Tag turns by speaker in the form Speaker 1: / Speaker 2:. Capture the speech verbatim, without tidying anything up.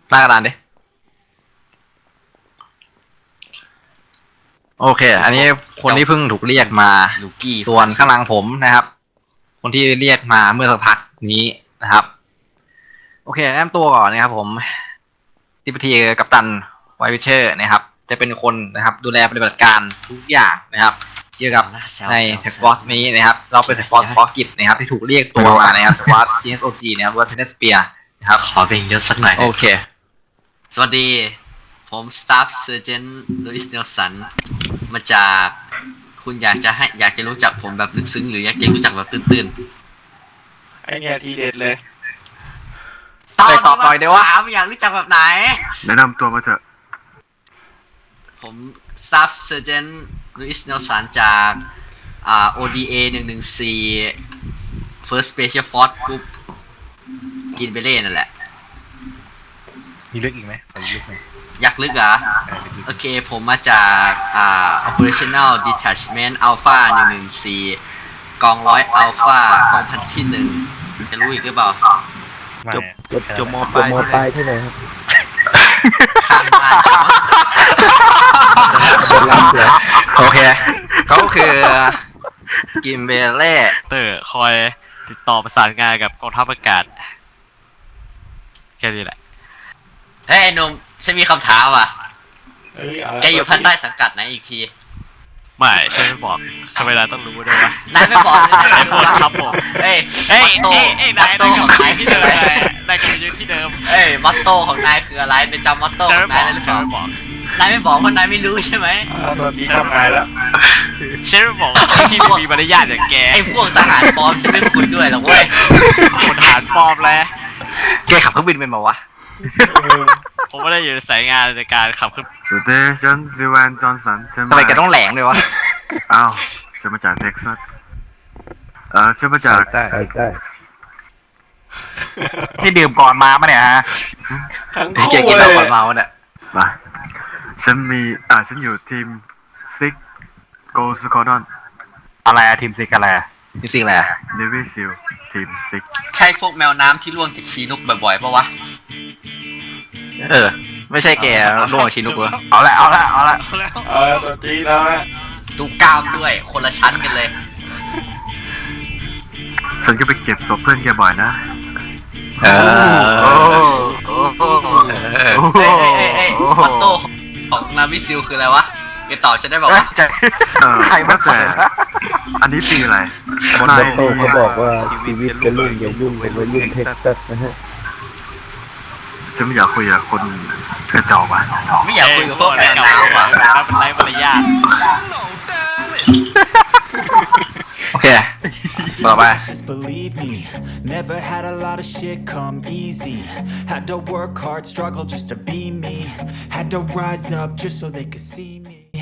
Speaker 1: หน้ากระดานดิโอเคอันนี้คนที่เพิ่งถูกเรียกมา
Speaker 2: ลูกี้
Speaker 1: ส่วนข้างหลังผมนะครับคนที่เรียกมาเมื่อสักพักนี้นะครับโอเคแนะนำตัวก่อนนะครับผมทิปทีกัปตันไวท์วิเชอร์นะครับจะเป็นคนนะครับดูแลปฏิบัติการทุกอย่างนะครับเกี่ยวกับในแท็กฟอสนี้นะครับเราเป็นแท็กฟอสฟอกิจนะครับที่ถูกเรียกตัวมานะครับจากวัด ที เอส โอ จี นะครับวัดเทนเนสเปียนะครับ
Speaker 2: ขอเพลงเยอะสักหน่อย
Speaker 1: โอเค
Speaker 2: สวัสดีผมสตาฟเซอร์เจนลุอิสเนลสันมาจากคุณอยากจะให้อยากจะรู้จักผมแบบลึกซึ้งหรืออยากจะรู้จักแบบตื้น
Speaker 3: ๆไอเนี่ยทีเด็ดเลย
Speaker 2: ตอบตอบหน่อยเดี๋ยวว่าอยากรู้จักแบบไหน
Speaker 4: แนะนำตัวมาเถอะ
Speaker 2: ผมสตาฟเซอร์เจนลุอิสเนลสันจากอ่า โอ ดี เอ หนึ่งหนึ่งสี่ First Special Force Group กินไปเล่นั่นแหละ
Speaker 5: มีลึกอีกไหมขอลึกไหม
Speaker 2: อยากลึกเหรอโอเคผมมาจากอ่า Operational Detachment Alpha หนึ่งหนึ่งสี่กองร้อย Alpha กองพันที่หนึ่งจะรู้อีกหรือเปล่า
Speaker 5: จบ
Speaker 3: จบมปลาย
Speaker 6: มปลายที่ไหนครับ
Speaker 2: ข้างบ้าน
Speaker 1: โอเคเขาคือกิมเบเล่
Speaker 5: เตอร์คอยติดต่อประสานงานกับกองทัพอากาศแค่นี้แหละ
Speaker 2: เฮ้ยหนุ่มฉันมีคำถามว่ะแกอยู่ภายใต้สังกัดไหนอีกที
Speaker 5: ไม่ฉันไม่บอกทำไมนายต้องรู้ด้วยวะ
Speaker 2: นายไม่บอกเลยนาย
Speaker 5: บอกครับผม
Speaker 2: เอ้ย
Speaker 5: เอ้ยเอ้ยเอ้ยนายนายกับนายที่เดิมนายกับยืนที่เดิม
Speaker 2: เอ้ยมอตโต้ของนายคืออะไรเป็นจำมอตโต้ของนายได้หรือเปล่านายไม่บอกเพราะนายไม่รู้ใช่ไหม
Speaker 3: ตอนนี้ทำงานแล้ว
Speaker 5: ฉันไม่บอกที่มีมารยาทอย่างแก
Speaker 2: ไอ้พวกทหารปลอมฉันไม่คุยด้วยหรอกเว้ย
Speaker 5: คนทหารปลอมแล้ว
Speaker 1: แกขับเครื่องบินเป็นมาวะ
Speaker 5: ผมไม่ได้อยู่ในสายงานในการขับขึ้น
Speaker 4: สเตชันซิวันจอห์นสัน
Speaker 1: ทำไมแกต้องแหลงเลยวะ
Speaker 4: อ้าวฉันมาจากเท็กซัสเออฉันมาจาก
Speaker 6: ใต้ใต้
Speaker 1: ที่ดื่มก่อนมาปะเนี่ยฮะ
Speaker 3: ทั้ง
Speaker 1: คู่
Speaker 3: เลย
Speaker 1: กินเหล้าก่อนมาเนี่ย
Speaker 4: มาฉันมีอ่าฉันอยู่ทีมซิกโกลสคอร์ดอน
Speaker 1: อะไรอะทีมซิกอะไรทีมซิกอะไร
Speaker 4: เนวิซิลทีมซิก
Speaker 2: ใช่พวกแมวน้ำที่ล่วงจากชีนุกบ่อยๆปะวะ
Speaker 1: เออไม่ใช่แกล่วงชีนุกเหรอเอาละเอาละเอาละ
Speaker 3: เออตัวจีแล้วนะ
Speaker 2: ดูกล้ามด้วยคนละชั้นกันเลย
Speaker 4: ฉันก็ไปเก็บศพเพื่อนแกบ่อยนะ
Speaker 1: เออโอ้
Speaker 2: โอ้โหเอ้ยเอ้ยเอ้ยมอตโต้ของนาวิซิลคืออะไรวะแกตอบฉันได้บอกว่า
Speaker 4: ใครมาแต่อันนี้ปีอะไร
Speaker 6: มอตโต้เขาบอกว่าชีวิตเป็นรุ่งอย่ายุ่งเป็นวัยรุ่นเท็กซัสนะฮะ
Speaker 4: ฉันไม่อยากคุยกับคนกระจอกว่ะ
Speaker 2: ไม่อยากคุยกับพวกแมวน้ำว่ะ
Speaker 5: เป็นไรมารยาท
Speaker 1: โอเคต่อไป
Speaker 7: Believe me, never had a lot of shit come easy. Had to work hard, struggle just to be me. Had to rise up just so they could see me.